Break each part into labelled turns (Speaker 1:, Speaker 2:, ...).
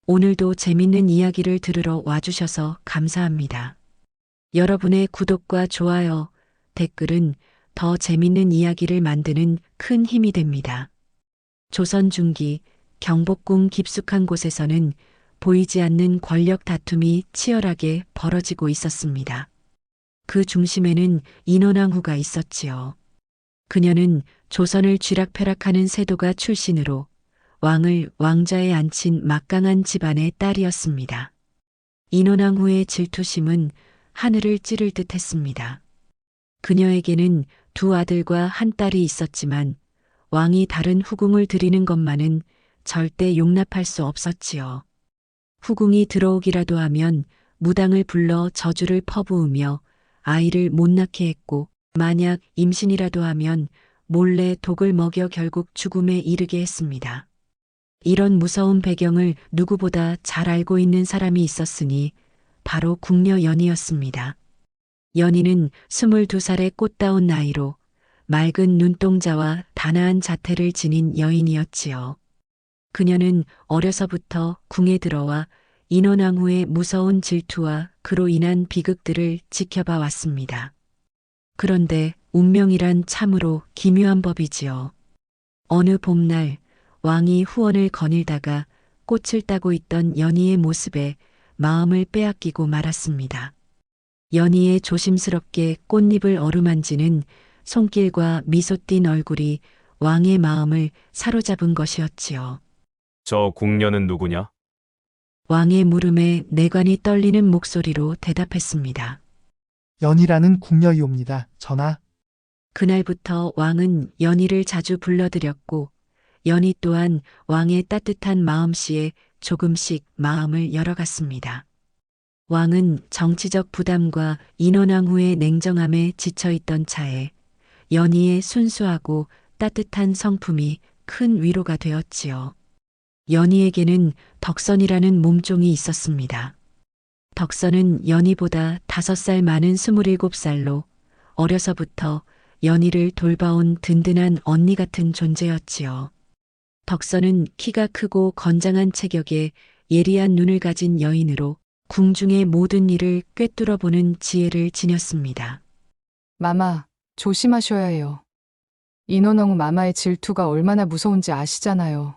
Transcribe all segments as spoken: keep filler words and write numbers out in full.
Speaker 1: 오늘도 재밌는 이야기를 들으러 와주셔서 감사합니다. 여러분의 구독과 좋아요, 댓글은 더 재밌는 이야기를 만드는 큰 힘이 됩니다. 조선 중기 경복궁 깊숙한 곳에서는 보이지 않는 권력 다툼이 치열하게 벌어지고 있었습니다. 그 중심에는 인원왕후가 있었지요. 그녀는 조선을 쥐락펴락하는 세도가 출신으로 왕을 왕자에 앉힌 막강한 집안의 딸이었습니다. 인원왕후의 질투심은 하늘을 찌를 듯 했습니다. 그녀에게는 두 아들과 한 딸이 있었지만 왕이 다른 후궁을 들이는 것만은 절대 용납할 수 없었지요. 후궁이 들어오기라도 하면 무당을 불러 저주를 퍼부으며 아이를 못 낳게 했고, 만약 임신이라도 하면 몰래 독을 먹여 결국 죽음에 이르게 했습니다. 이런 무서운 배경을 누구보다 잘 알고 있는 사람이 있었으니 바로 궁녀 연희였습니다. 연희는 스물두 살의 꽃다운 나이로 맑은 눈동자와 단아한 자태를 지닌 여인이었지요. 그녀는 어려서부터 궁에 들어와 인원왕후의 무서운 질투와 그로 인한 비극들을 지켜봐 왔습니다. 그런데 운명이란 참으로 기묘한 법이지요. 어느 봄날 왕이 후원을 거닐다가 꽃을 따고 있던 연희의 모습에 마음을 빼앗기고 말았습니다. 연희의 조심스럽게 꽃잎을 어루만지는 손길과 미소 띤 얼굴이 왕의 마음을 사로잡은 것이었지요.
Speaker 2: 저 궁녀는 누구냐?
Speaker 1: 왕의 물음에 내관이 떨리는 목소리로 대답했습니다.
Speaker 3: 연희라는 궁녀이옵니다. 전하,
Speaker 1: 그날부터 왕은 연희를 자주 불러들였고 연희 또한 왕의 따뜻한 마음씨에 조금씩 마음을 열어갔습니다. 왕은 정치적 부담과 인원왕후의 냉정함에 지쳐있던 차에 연희의 순수하고 따뜻한 성품이 큰 위로가 되었지요. 연희에게는 덕선이라는 몸종이 있었습니다. 덕선은 연희보다 다섯 살 많은 스물일곱 살로 어려서부터 연희를 돌봐온 든든한 언니 같은 존재였지요. 덕선은 키가 크고 건장한 체격에 예리한 눈을 가진 여인으로 궁중의 모든 일을 꿰뚫어 보는 지혜를 지녔습니다.
Speaker 4: 마마, 조심하셔야 해요. 인원왕후 마마의 질투가 얼마나 무서운지 아시잖아요.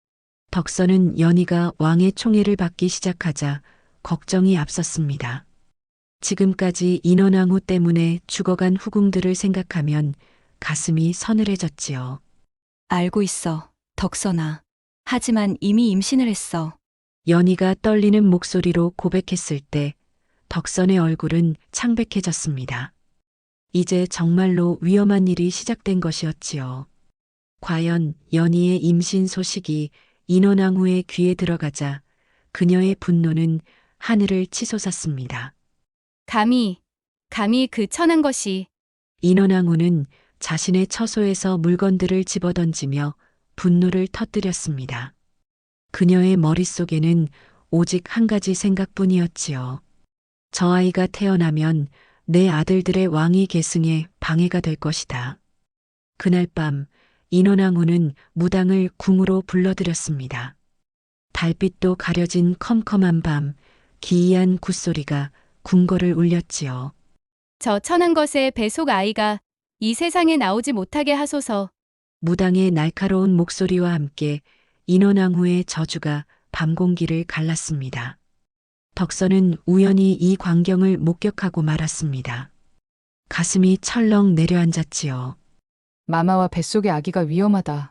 Speaker 1: 덕선은 연희가 왕의 총애를 받기 시작하자 걱정이 앞섰습니다. 지금까지 인원왕후 때문에 죽어간 후궁들을 생각하면 가슴이 서늘해졌지요.
Speaker 5: 알고 있어, 덕선아. 하지만 이미 임신을 했어.
Speaker 1: 연희가 떨리는 목소리로 고백했을 때 덕선의 얼굴은 창백해졌습니다. 이제 정말로 위험한 일이 시작된 것이었지요. 과연 연희의 임신 소식이 인원왕후의 귀에 들어가자 그녀의 분노는 하늘을 치솟았습니다.
Speaker 6: 감히, 감히 그 천한 것이
Speaker 1: 인원왕후는 자신의 처소에서 물건들을 집어던지며 분노를 터뜨렸습니다. 그녀의 머릿속에는 오직 한 가지 생각뿐이었지요. 저 아이가 태어나면 내 아들들의 왕위 계승에 방해가 될 것이다. 그날 밤 인원왕후는 무당을 궁으로 불러들였습니다. 달빛도 가려진 컴컴한 밤 기이한 굿소리가 궁궐을 울렸지요.
Speaker 6: 저 천한 것의 배속 아이가 이 세상에 나오지 못하게 하소서.
Speaker 1: 무당의 날카로운 목소리와 함께 인원왕후의 저주가 밤공기를 갈랐습니다. 덕선은 우연히 이 광경을 목격하고 말았습니다. 가슴이 철렁 내려앉았지요.
Speaker 4: 마마와 뱃속의 아기가 위험하다.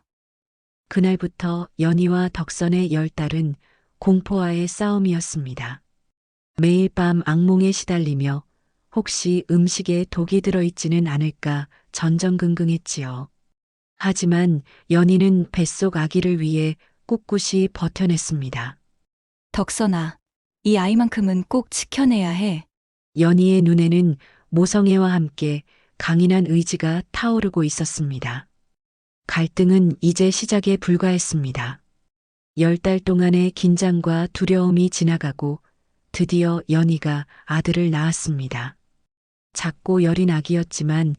Speaker 1: 그날부터 연희와 덕선의 열 달은 공포와의 싸움이었습니다. 매일 밤 악몽에 시달리며 혹시 음식에 독이 들어있지는 않을까 전전긍긍했지요. 하지만 연희는 뱃속 아기를 위해 꿋꿋이 버텨냈습니다.
Speaker 5: 덕선아, 이 아이만큼은 꼭 지켜내야 해.
Speaker 1: 연희의 눈에는 모성애와 함께 강인한 의지가 타오르고 있었습니다. 갈등은 이제 시작에 불과했습니다. 열 달 동안의 긴장과 두려움이 지나가고 드디어 연희가 아들을 낳았습니다. 작고 여린 아기였지만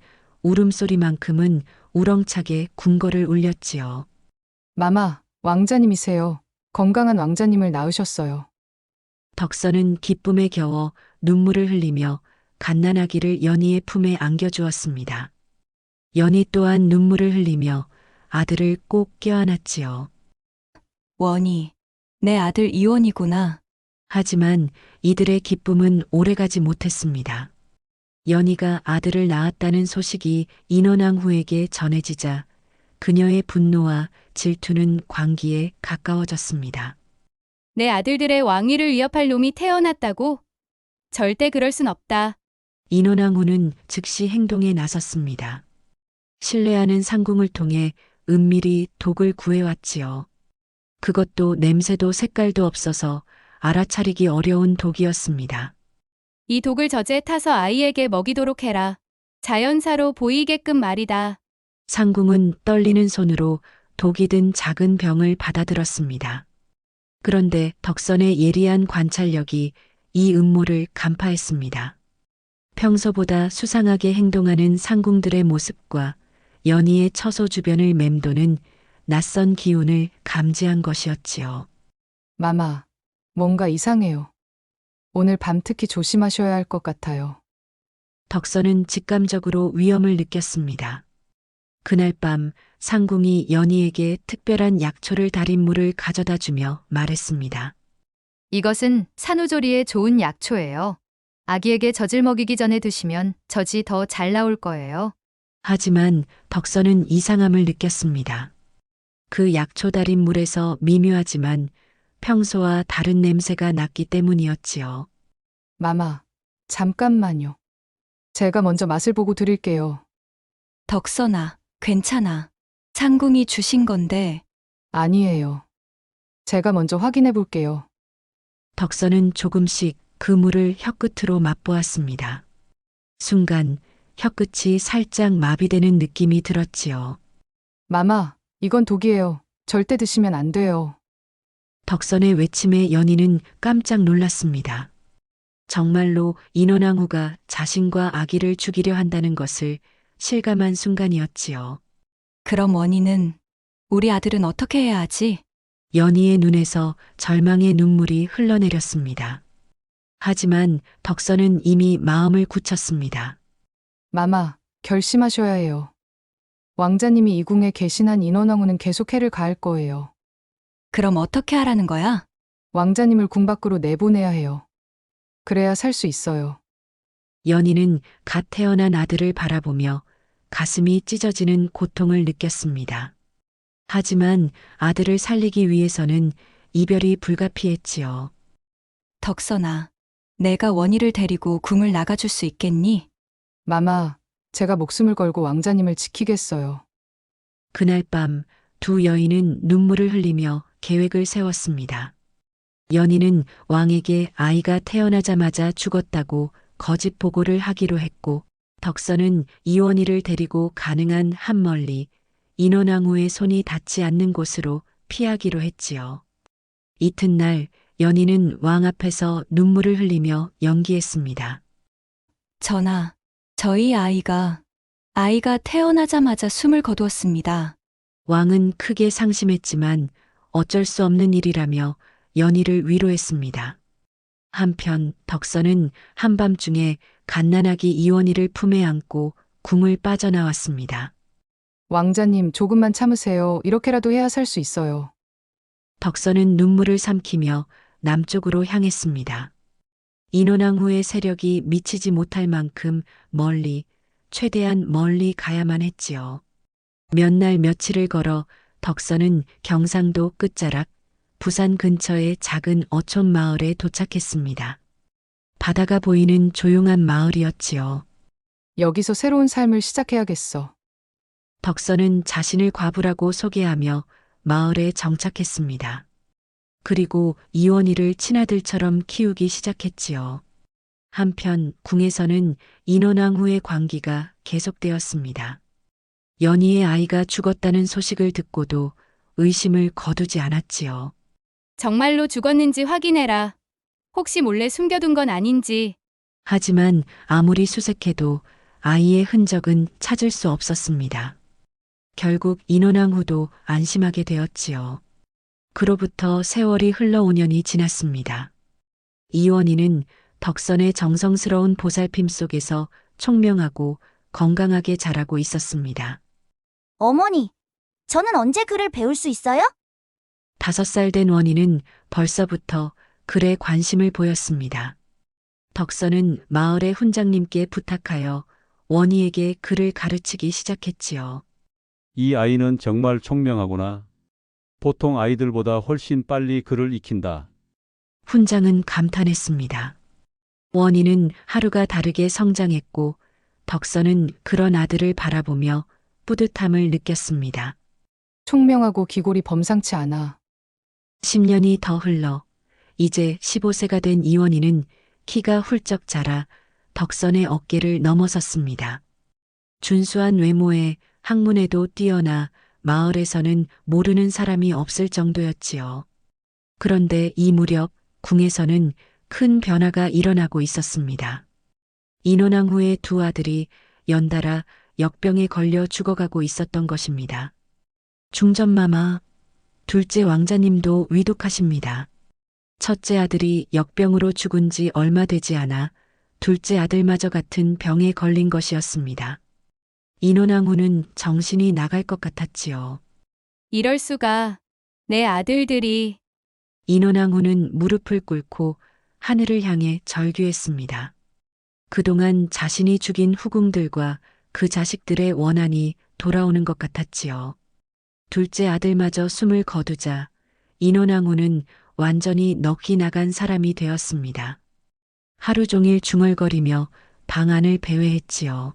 Speaker 1: 울음소리만큼은 우렁차게 궁궐을 울렸지요.
Speaker 4: 마마, 왕자님이세요. 건강한 왕자님을 낳으셨어요.
Speaker 1: 덕선은 기쁨에 겨워 눈물을 흘리며 갓난아기를 연희의 품에 안겨주었습니다. 연희 또한 눈물을 흘리며 아들을 꼭 껴안았지요.
Speaker 5: 원희, 내 아들 이원이구나.
Speaker 1: 하지만 이들의 기쁨은 오래가지 못했습니다. 연희가 아들을 낳았다는 소식이 인원왕후에게 전해지자 그녀의 분노와 질투는 광기에 가까워졌습니다.
Speaker 6: 내 아들들의 왕위를 위협할 놈이 태어났다고? 절대 그럴 순 없다.
Speaker 1: 인원왕후는 즉시 행동에 나섰습니다. 신뢰하는 상궁을 통해 은밀히 독을 구해왔지요. 그것도 냄새도 색깔도 없어서 알아차리기 어려운 독이었습니다.
Speaker 6: 이 독을 젖에 타서 아이에게 먹이도록 해라. 자연사로 보이게끔 말이다.
Speaker 1: 상궁은 떨리는 손으로 독이 든 작은 병을 받아들었습니다. 그런데 덕선의 예리한 관찰력이 이 음모를 간파했습니다. 평소보다 수상하게 행동하는 상궁들의 모습과 연희의 처소 주변을 맴도는 낯선 기운을 감지한 것이었지요.
Speaker 4: 마마, 뭔가 이상해요. 오늘 밤 특히 조심하셔야 할 것 같아요.
Speaker 1: 덕선은 직감적으로 위험을 느꼈습니다. 그날 밤 상궁이 연희에게 특별한 약초를 달인 물을 가져다 주며 말했습니다.
Speaker 6: 이것은 산후조리에 좋은 약초예요. 아기에게 젖을 먹이기 전에 드시면 젖이 더 잘 나올 거예요.
Speaker 1: 하지만 덕선은 이상함을 느꼈습니다. 그 약초 달인 물에서 미묘하지만 평소와 다른 냄새가 났기 때문이었지요.
Speaker 4: 마마, 잠깐만요. 제가 먼저 맛을 보고 드릴게요.
Speaker 5: 덕선아, 괜찮아. 상궁이 주신 건데.
Speaker 4: 아니에요. 제가 먼저 확인해 볼게요.
Speaker 1: 덕선은 조금씩 그 물을 혀끝으로 맛보았습니다. 순간 혀끝이 살짝 마비되는 느낌이 들었지요.
Speaker 4: 마마, 이건 독이에요. 절대 드시면 안 돼요.
Speaker 1: 덕선의 외침에 연희는 깜짝 놀랐습니다. 정말로 인원왕후가 자신과 아기를 죽이려 한다는 것을 실감한 순간이었지요.
Speaker 5: 그럼 원희는 우리 아들은 어떻게 해야 하지?
Speaker 1: 연희의 눈에서 절망의 눈물이 흘러내렸습니다. 하지만 덕선은 이미 마음을 굳혔습니다.
Speaker 4: 마마, 결심하셔야 해요. 왕자님이 이 궁에 계신 한 인원왕후는 계속 해를 가할 거예요.
Speaker 5: 그럼 어떻게 하라는 거야?
Speaker 4: 왕자님을 궁 밖으로 내보내야 해요. 그래야 살 수 있어요.
Speaker 1: 연희는 갓 태어난 아들을 바라보며 가슴이 찢어지는 고통을 느꼈습니다. 하지만 아들을 살리기 위해서는 이별이 불가피했지요.
Speaker 5: 덕선아, 내가 원희를 데리고 궁을 나가줄 수 있겠니?
Speaker 4: 마마, 제가 목숨을 걸고 왕자님을 지키겠어요.
Speaker 1: 그날 밤 두 여인은 눈물을 흘리며 계획을 세웠습니다. 연희는 왕에게 아이가 태어나자마자 죽었다고 거짓 보고를 하기로 했고, 덕선은 이원희를 데리고 가능한 한 멀리 인원왕후의 손이 닿지 않는 곳으로 피하기로 했지요. 이튿날 연희는 왕 앞에서 눈물을 흘리며 연기했습니다.
Speaker 5: 전하, 저희 아이가, 아이가 태어나자마자 숨을 거두었습니다.
Speaker 1: 왕은 크게 상심했지만 어쩔 수 없는 일이라며 연희를 위로했습니다. 한편 덕선은 한밤중에 갓난아기 이원희를 품에 안고 궁을 빠져나왔습니다.
Speaker 4: 왕자님, 조금만 참으세요. 이렇게라도 해야 살 수 있어요.
Speaker 1: 덕선은 눈물을 삼키며 남쪽으로 향했습니다. 인원왕후의 세력이 미치지 못할 만큼 멀리, 최대한 멀리 가야만 했지요. 몇 날 며칠을 걸어 덕선은 경상도 끝자락 부산 근처의 작은 어촌 마을에 도착했습니다. 바다가 보이는 조용한 마을이었지요.
Speaker 4: 여기서 새로운 삶을 시작해야겠어.
Speaker 1: 덕선은 자신을 과부라고 소개하며 마을에 정착했습니다. 그리고 이원희를 친아들처럼 키우기 시작했지요. 한편 궁에서는 인원왕후의 관기가 계속되었습니다. 연희의 아이가 죽었다는 소식을 듣고도 의심을 거두지 않았지요.
Speaker 6: 정말로 죽었는지 확인해라. 혹시 몰래 숨겨둔 건 아닌지.
Speaker 1: 하지만 아무리 수색해도 아이의 흔적은 찾을 수 없었습니다. 결국 인원왕후도 안심하게 되었지요. 그로부터 세월이 흘러 오 년이 지났습니다. 이원희는 덕선의 정성스러운 보살핌 속에서 총명하고 건강하게 자라고 있었습니다.
Speaker 7: 어머니, 저는 언제 글을 배울 수 있어요?
Speaker 1: 다섯 살 된 원희는 벌써부터 글에 관심을 보였습니다. 덕선은 마을의 훈장님께 부탁하여 원희에게 글을 가르치기 시작했지요.
Speaker 8: 이 아이는 정말 총명하구나. 보통 아이들보다 훨씬 빨리 글을 익힌다.
Speaker 1: 훈장은 감탄했습니다. 원희는 하루가 다르게 성장했고 덕선은 그런 아들을 바라보며 뿌듯함을 느꼈습니다.
Speaker 4: 총명하고 기골이 범상치 않아.
Speaker 1: 십 년이 더 흘러 이제 십오 세가 된 이원희는 키가 훌쩍 자라 덕선의 어깨를 넘어섰습니다. 준수한 외모에 학문에도 뛰어나 마을에서는 모르는 사람이 없을 정도였지요. 그런데 이 무렵 궁에서는 큰 변화가 일어나고 있었습니다. 인원왕 후의 두 아들이 연달아 역병에 걸려 죽어가고 있었던 것입니다. 중전마마, 둘째 왕자님도 위독하십니다. 첫째 아들이 역병으로 죽은 지 얼마 되지 않아 둘째 아들마저 같은 병에 걸린 것이었습니다. 인원왕 후는 정신이 나갈 것 같았지요.
Speaker 6: 이럴 수가. 내 아들들이.
Speaker 1: 인원왕 후는 무릎을 꿇고 하늘을 향해 절규했습니다. 그동안 자신이 죽인 후궁들과 그 자식들의 원한이 돌아오는 것 같았지요. 둘째 아들마저 숨을 거두자 인원왕 후는 완전히 넋이 나간 사람이 되었습니다. 하루 종일 중얼거리며 방안을 배회했지요.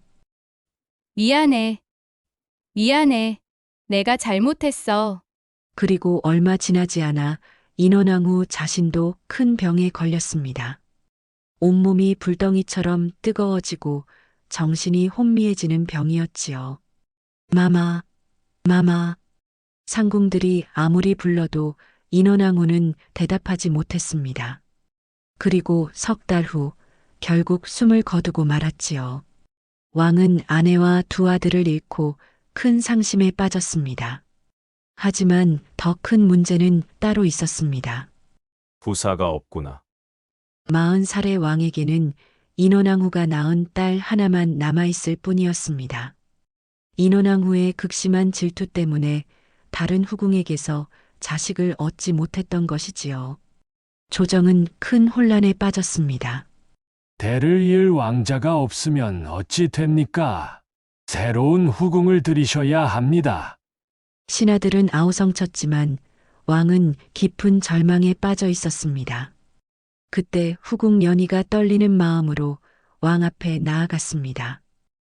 Speaker 6: 미안해. 미안해. 내가 잘못했어.
Speaker 1: 그리고 얼마 지나지 않아 인원왕 후 자신도 큰 병에 걸렸습니다. 온몸이 불덩이처럼 뜨거워지고 정신이 혼미해지는 병이었지요. 마마, 마마. 상궁들이 아무리 불러도 인원왕 후는 대답하지 못했습니다. 그리고 석 달 후 결국 숨을 거두고 말았지요. 왕은 아내와 두 아들을 잃고 큰 상심에 빠졌습니다. 하지만 더 큰 문제는 따로 있었습니다.
Speaker 2: 부사가 없구나.
Speaker 1: 마흔 살의 왕에게는 인원왕 후가 낳은 딸 하나만 남아있을 뿐이었습니다. 인원왕 후의 극심한 질투 때문에 다른 후궁에게서 자식을 얻지 못했던 것이지요. 조정은 큰 혼란에 빠졌습니다.
Speaker 9: 대를 이을 왕자가 없으면 어찌 됩니까? 새로운 후궁을 들이셔야 합니다.
Speaker 1: 신하들은 아우성쳤지만 왕은 깊은 절망에 빠져 있었습니다. 그때 후궁 연희가 떨리는 마음으로 왕 앞에 나아갔습니다.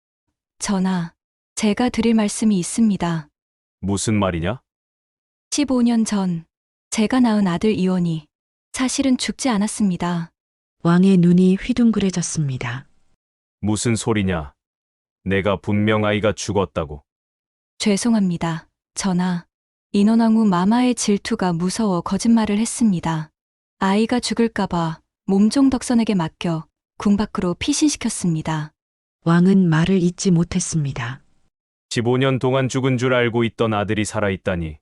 Speaker 5: 전하, 제가 드릴 말씀이 있습니다.
Speaker 2: 무슨 말이냐?
Speaker 5: 십오 년 전 제가 낳은 아들 이원이 사실은 죽지 않았습니다.
Speaker 1: 왕의 눈이 휘둥그레졌습니다.
Speaker 2: 무슨 소리냐? 내가 분명 아이가 죽었다고.
Speaker 5: 죄송합니다. 전하, 인원왕 후 마마의 질투가 무서워 거짓말을 했습니다. 아이가 죽을까봐 몸종 덕선에게 맡겨 궁 밖으로 피신시켰습니다.
Speaker 1: 왕은 말을 잇지 못했습니다.
Speaker 2: 십오 년 동안 죽은 줄 알고 있던 아들이 살아있다니.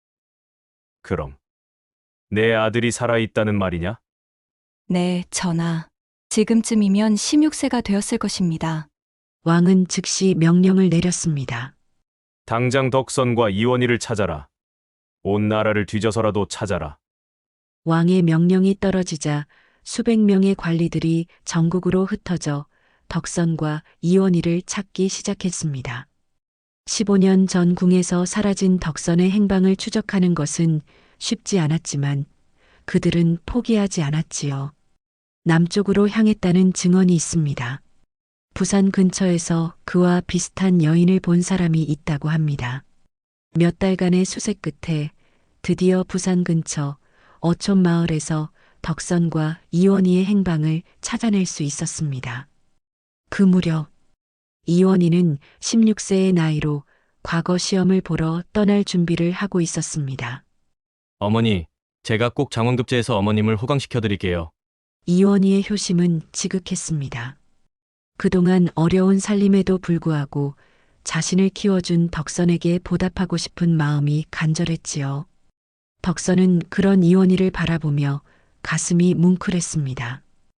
Speaker 2: 그럼 내 아들이 살아있다는 말이냐?
Speaker 5: 네, 전하. 지금쯤이면 십육 세가 되었을 것입니다.
Speaker 1: 왕은 즉시 명령을 내렸습니다.
Speaker 2: 당장 덕선과 이원희를 찾아라. 온 나라를 뒤져서라도 찾아라.
Speaker 1: 왕의 명령이 떨어지자 수백 명의 관리들이 전국으로 흩어져 덕선과 이원희를 찾기 시작했습니다. 십오 년 전 궁에서 사라진 덕선의 행방을 추적하는 것은 쉽지 않았지만 그들은 포기하지 않았지요. 남쪽으로 향했다는 증언이 있습니다. 부산 근처에서 그와 비슷한 여인을 본 사람이 있다고 합니다. 몇 달간의 수색 끝에 드디어 부산 근처 어촌 마을에서 덕선과 이원희의 행방을 찾아낼 수 있었습니다. 그 무렵 이원희는 십육 세의 나이로 과거 시험을 보러 떠날 준비를 하고 있었습니다.
Speaker 10: 어머니, 제가 꼭 장원급제해서 어머님을 호강시켜 드릴게요.
Speaker 1: 이원희의 효심은 지극했습니다. 그동안 어려운 살림에도 불구하고 자신을 키워준 덕선에게 보답하고 싶은 마음이 간절했지요. 덕선은 그런 이원희를 바라보며 가슴이 뭉클했습니다.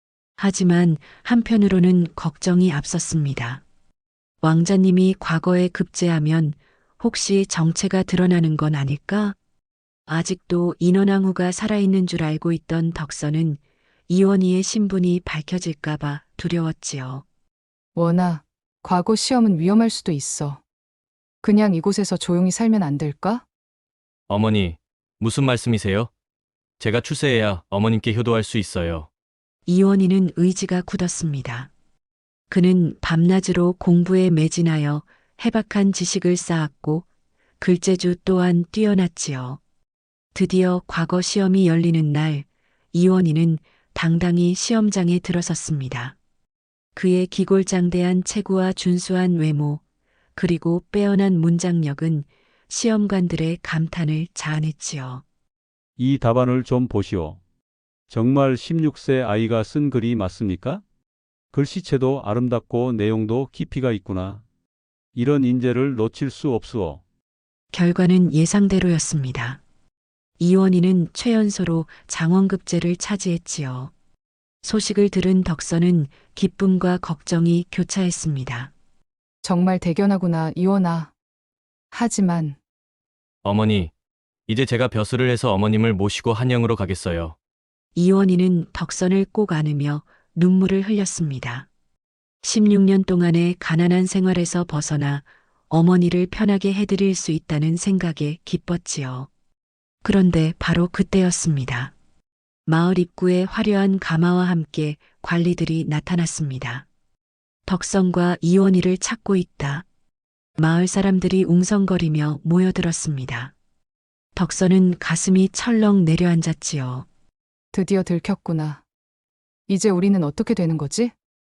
Speaker 1: 하지만 한편으로는 걱정이 앞섰습니다. 왕자님이 과거에 급제하면 혹시 정체가 드러나는 건 아닐까? 아직도 인원왕후가 살아있는 줄 알고 있던 덕선은 이원희의 신분이 밝혀질까봐 두려웠지요.
Speaker 4: 원아, 과거 시험은 위험할 수도 있어. 그냥 이곳에서 조용히 살면 안 될까?
Speaker 10: 어머니, 무슨 말씀이세요? 제가 출세해야 어머님께 효도할 수 있어요.
Speaker 1: 이원희는 의지가 굳었습니다. 그는 밤낮으로 공부에 매진하여 해박한 지식을 쌓았고 글재주 또한 뛰어났지요. 드디어 과거 시험이 열리는 날, 이원희는 당당히 시험장에 들어섰습니다. 그의 기골장대한 체구와 준수한 외모, 그리고 빼어난 문장력은 시험관들의 감탄을 자아냈지요.
Speaker 8: 이 답안을 좀 보시오. 정말 십육 세 아이가 쓴 글이 맞습니까? 글씨체도 아름답고 내용도 깊이가 있구나. 이런 인재를 놓칠 수 없수오.
Speaker 1: 결과는 예상대로였습니다. 이원희는 최연소로 장원급제를 차지했지요. 소식을 들은 덕선은 기쁨과 걱정이 교차했습니다.
Speaker 4: 정말 대견하구나, 이원아. 하지만
Speaker 10: 어머니, 이제 제가 벼슬을 해서 어머님을 모시고 한양으로 가겠어요.
Speaker 1: 이원희는 덕선을 꼭 안으며 눈물을 흘렸습니다. 십육 년 동안의 가난한 생활에서 벗어나 어머니를 편하게 해드릴 수 있다는 생각에 기뻤지요. 그런데 바로 그때였습니다. 마을 입구에 화려한 가마와 함께 관리들이 나타났습니다. 덕선과 이원희를 찾고 있다. 마을 사람들이 웅성거리며 모여들었습니다. 덕선은 가슴이 철렁 내려앉았지요.
Speaker 4: 드디어 들켰구나. 이제 우리는 어떻게 되는 거지?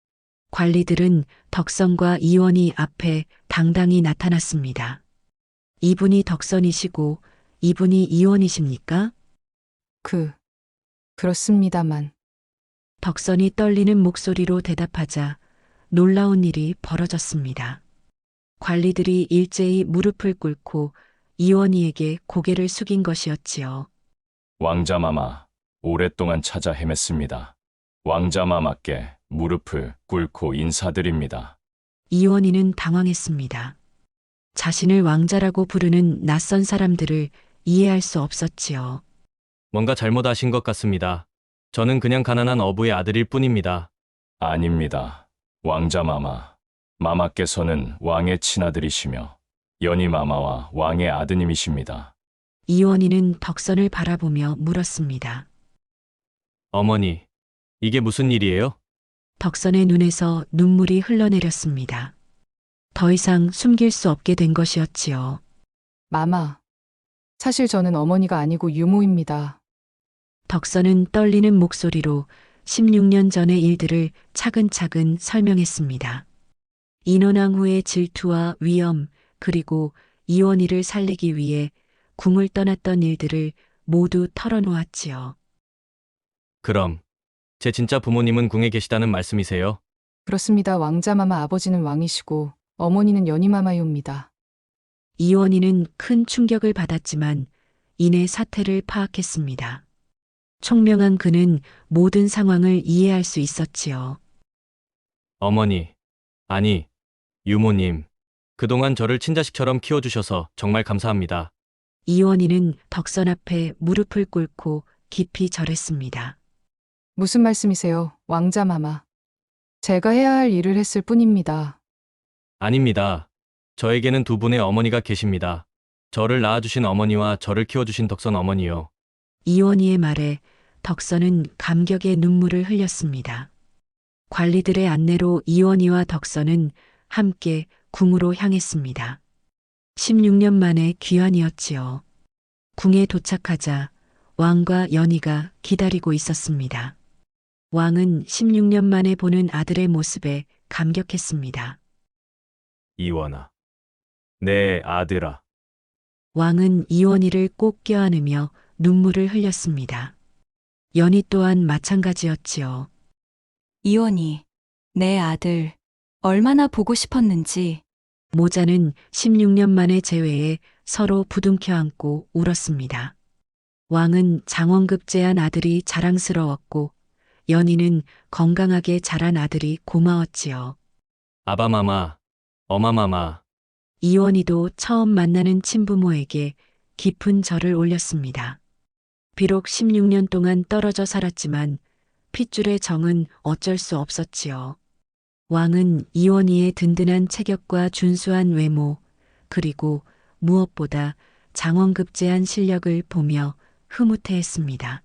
Speaker 1: 관리들은 덕선과 이원희 앞에 당당히 나타났습니다. 이분이 덕선이시고 이분이 이원희십니까?
Speaker 4: 그, 그렇습니다만.
Speaker 1: 덕선이 떨리는 목소리로 대답하자 놀라운 일이 벌어졌습니다. 관리들이 일제히 무릎을 꿇고 이원희에게 고개를 숙인 것이었지요.
Speaker 2: 왕자마마, 오랫동안 찾아 헤맸습니다. 왕자마마께 무릎을 꿇고 인사드립니다.
Speaker 1: 이원희는 당황했습니다. 자신을 왕자라고 부르는 낯선 사람들을 이해할 수 없었지요.
Speaker 10: 뭔가 잘못하신 것 같습니다. 저는 그냥 가난한 어부의 아들일 뿐입니다.
Speaker 2: 아닙니다. 왕자마마, 마마께서는 왕의 친아들이시며 연희마마와 왕의 아드님이십니다.
Speaker 1: 이원희는 덕선을 바라보며 물었습니다.
Speaker 10: 어머니, 이게 무슨 일이에요?
Speaker 1: 덕선의 눈에서 눈물이 흘러내렸습니다. 더 이상 숨길 수 없게 된 것이었지요.
Speaker 4: 마마. 사실 저는 어머니가 아니고 유모입니다.
Speaker 1: 덕선은 떨리는 목소리로 십육 년 전의 일들을 차근차근 설명했습니다. 인원왕후의 질투와 위험, 그리고 이원희를 살리기 위해 궁을 떠났던 일들을 모두 털어놓았지요.
Speaker 10: 그럼 제 진짜 부모님은 궁에 계시다는 말씀이세요?
Speaker 4: 그렇습니다. 왕자마마 아버지는 왕이시고 어머니는 연희마마이옵니다.
Speaker 1: 이원희는 큰 충격을 받았지만 이내 사태를 파악했습니다. 총명한 그는 모든 상황을 이해할 수 있었지요.
Speaker 10: 어머니, 아니, 유모님, 그동안 저를 친자식처럼 키워주셔서 정말 감사합니다.
Speaker 1: 이원희는 덕선 앞에 무릎을 꿇고 깊이 절했습니다.
Speaker 4: 무슨 말씀이세요, 왕자마마. 제가 해야 할 일을 했을 뿐입니다.
Speaker 10: 아닙니다. 저에게는 두 분의 어머니가 계십니다. 저를 낳아주신 어머니와 저를 키워주신 덕선 어머니요.
Speaker 1: 이원희의 말에 덕선은 감격의 눈물을 흘렸습니다. 관리들의 안내로 이원희와 덕선은 함께 궁으로 향했습니다. 십육 년 만에 귀환이었지요. 궁에 도착하자 왕과 연희가 기다리고 있었습니다. 왕은 십육 년 만에 보는 아들의 모습에 감격했습니다.
Speaker 2: 이원아, 내 아들아.
Speaker 1: 왕은 이원희를 꼭 껴안으며 눈물을 흘렸습니다. 연희 또한 마찬가지였지요.
Speaker 5: 이원희, 내 아들, 얼마나 보고 싶었는지.
Speaker 1: 모자는 십육 년 만의 재회에 서로 부둥켜 안고 울었습니다. 왕은 장원급제한 아들이 자랑스러웠고 연희는 건강하게 자란 아들이 고마웠지요.
Speaker 10: 아바마마, 어마마마,
Speaker 1: 이원희도 처음 만나는 친부모에게 깊은 절을 올렸습니다. 비록 십육 년 동안 떨어져 살았지만 핏줄의 정은 어쩔 수 없었지요. 왕은 이원희의 든든한 체격과 준수한 외모, 그리고 무엇보다 장원급제한 실력을 보며 흐뭇해했습니다.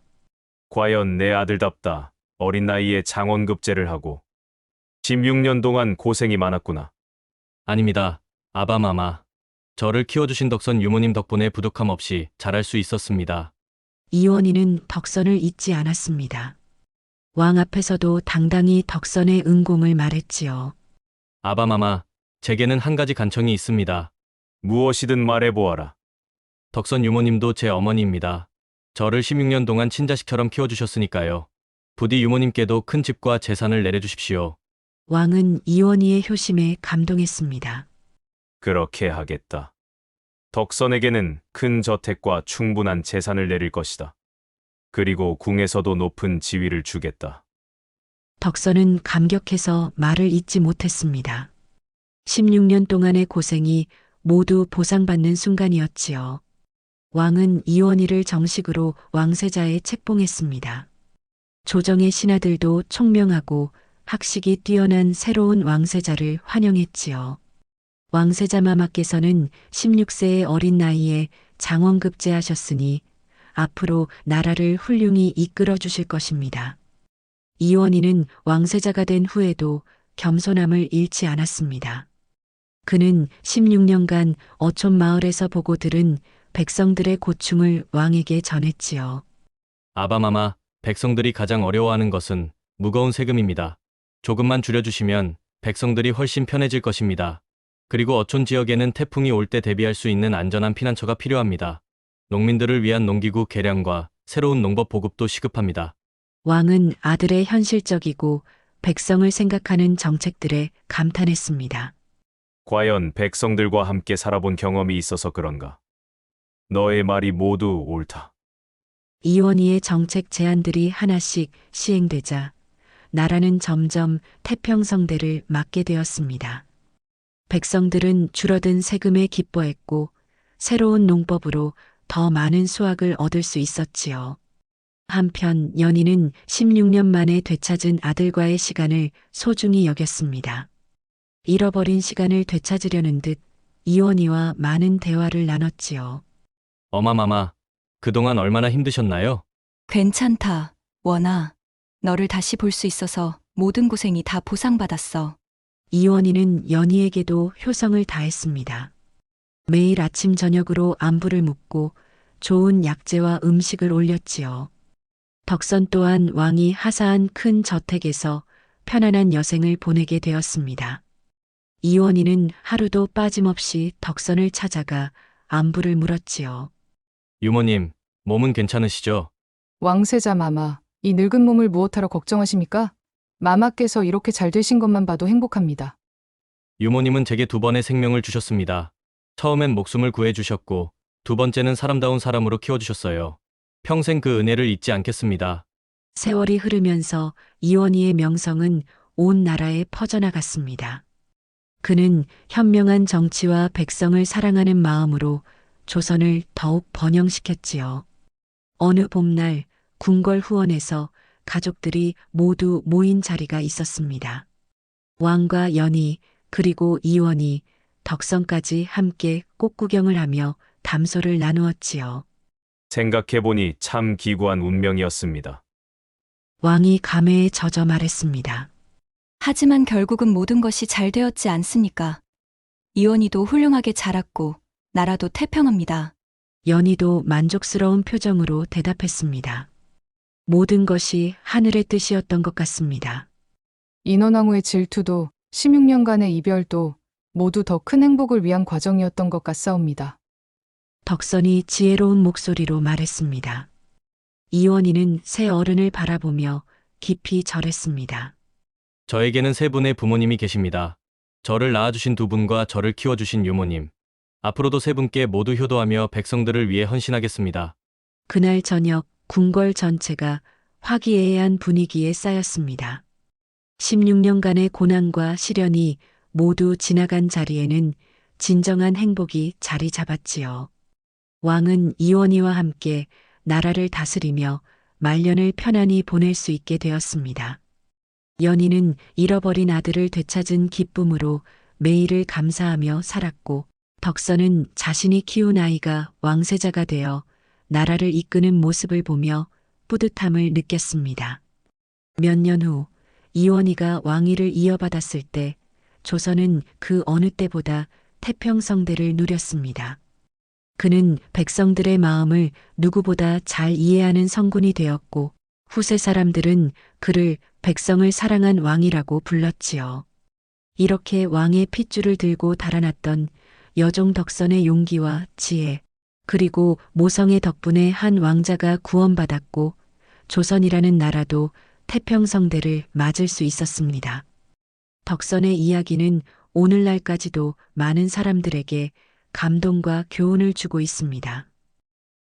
Speaker 2: 과연 내 아들답다. 어린 나이에 장원급제를 하고 십육 년 동안 고생이 많았구나.
Speaker 10: 아닙니다. 아바마마. 저를 키워주신 덕선 유모님 덕분에 부족함 없이 자랄 수 있었습니다.
Speaker 1: 이원희는 덕선을 잊지 않았습니다. 왕 앞에서도 당당히 덕선의 은공을 말했지요.
Speaker 10: 아바마마, 제게는 한 가지 간청이 있습니다.
Speaker 2: 무엇이든 말해보아라.
Speaker 10: 덕선 유모님도 제 어머니입니다. 저를 십육 년 동안 친자식처럼 키워주셨으니까요. 부디 유모님께도 큰 집과 재산을 내려주십시오.
Speaker 1: 왕은 이원희의 효심에 감동했습니다.
Speaker 2: 그렇게 하겠다. 덕선에게는 큰 저택과 충분한 재산을 내릴 것이다. 그리고 궁에서도 높은 지위를 주겠다.
Speaker 1: 덕선은 감격해서 말을 잇지 못했습니다. 십육 년 동안의 고생이 모두 보상받는 순간이었지요. 왕은 이원희를 정식으로 왕세자에 책봉했습니다. 조정의 신하들도 총명하고 학식이 뛰어난 새로운 왕세자를 환영했지요. 왕세자 마마께서는 십육 세의 어린 나이에 장원급제하셨으니 앞으로 나라를 훌륭히 이끌어 주실 것입니다. 이원희는 왕세자가 된 후에도 겸손함을 잃지 않았습니다. 그는 십육 년간 어촌 마을에서 보고 들은 백성들의 고충을 왕에게 전했지요.
Speaker 10: 아바마마, 백성들이 가장 어려워하는 것은 무거운 세금입니다. 조금만 줄여주시면 백성들이 훨씬 편해질 것입니다. 그리고 어촌 지역에는 태풍이 올 때 대비할 수 있는 안전한 피난처가 필요합니다. 농민들을 위한 농기구 개량과 새로운 농법 보급도 시급합니다.
Speaker 1: 왕은 아들의 현실적이고 백성을 생각하는 정책들에 감탄했습니다.
Speaker 2: 과연 백성들과 함께 살아본 경험이 있어서 그런가? 너의 말이 모두 옳다.
Speaker 1: 이원희의 정책 제안들이 하나씩 시행되자 나라는 점점 태평성대를 맞게 되었습니다. 백성들은 줄어든 세금에 기뻐했고 새로운 농법으로 더 많은 수확을 얻을 수 있었지요. 한편 연희는 십육 년 만에 되찾은 아들과의 시간을 소중히 여겼습니다. 잃어버린 시간을 되찾으려는 듯 이원희와 많은 대화를 나눴지요.
Speaker 10: 어마마마, 그동안 얼마나 힘드셨나요?
Speaker 5: 괜찮다, 원아. 너를 다시 볼 수 있어서 모든 고생이 다 보상받았어.
Speaker 1: 이원희는 연희에게도 효성을 다했습니다. 매일 아침 저녁으로 안부를 묻고 좋은 약재와 음식을 올렸지요. 덕선 또한 왕이 하사한 큰 저택에서 편안한 여생을 보내게 되었습니다. 이원희는 하루도 빠짐없이 덕선을 찾아가 안부를 물었지요.
Speaker 10: 유모님, 몸은 괜찮으시죠?
Speaker 4: 왕세자 마마, 이 늙은 몸을 무엇하러 걱정하십니까? 마마께서 이렇게 잘 되신 것만 봐도 행복합니다.
Speaker 10: 유모님은 제게 두 번의 생명을 주셨습니다. 처음엔 목숨을 구해주셨고 두 번째는 사람다운 사람으로 키워주셨어요. 평생 그 은혜를 잊지 않겠습니다.
Speaker 1: 세월이 흐르면서 이원희의 명성은 온 나라에 퍼져나갔습니다. 그는 현명한 정치와 백성을 사랑하는 마음으로 조선을 더욱 번영시켰지요. 어느 봄날 궁궐 후원에서 가족들이 모두 모인 자리가 있었습니다. 왕과 연희 그리고 이원희, 덕선까지 함께 꽃구경을 하며 담소를 나누었지요.
Speaker 2: 생각해보니 참 기구한 운명이었습니다.
Speaker 1: 왕이 감회에 젖어 말했습니다.
Speaker 5: 하지만 결국은 모든 것이 잘 되었지 않습니까? 이원희도 훌륭하게 자랐고 나라도 태평합니다.
Speaker 1: 연희도 만족스러운 표정으로 대답했습니다. 모든 것이 하늘의 뜻이었던 것 같습니다.
Speaker 4: 인원왕후의 질투도 십육 년간의 이별도 모두 더 큰 행복을 위한 과정이었던 것 같사옵니다.
Speaker 1: 덕선이 지혜로운 목소리로 말했습니다. 이원희는 새 어른을 바라보며 깊이 절했습니다.
Speaker 10: 저에게는 세 분의 부모님이 계십니다. 저를 낳아주신 두 분과 저를 키워주신 유모님. 앞으로도 세 분께 모두 효도하며 백성들을 위해 헌신하겠습니다.
Speaker 1: 그날 저녁 궁궐 전체가 화기애애한 분위기에 쌓였습니다. 십육 년간의 고난과 시련이 모두 지나간 자리에는 진정한 행복이 자리 잡았지요. 왕은 이원희와 함께 나라를 다스리며 말년을 편안히 보낼 수 있게 되었습니다. 연희는 잃어버린 아들을 되찾은 기쁨으로 매일을 감사하며 살았고, 덕선은 자신이 키운 아이가 왕세자가 되어 나라를 이끄는 모습을 보며 뿌듯함을 느꼈습니다. 몇 년 후 이원희가 왕위를 이어받았을 때 조선은 그 어느 때보다 태평성대를 누렸습니다. 그는 백성들의 마음을 누구보다 잘 이해하는 성군이 되었고, 후세 사람들은 그를 백성을 사랑한 왕이라고 불렀지요. 이렇게 왕의 핏줄을 들고 달아났던 여종 덕선의 용기와 지혜, 그리고 모성의 덕분에 한 왕자가 구원받았고, 조선이라는 나라도 태평성대를 맞을 수 있었습니다. 덕선의 이야기는 오늘날까지도 많은 사람들에게 감동과 교훈을 주고 있습니다.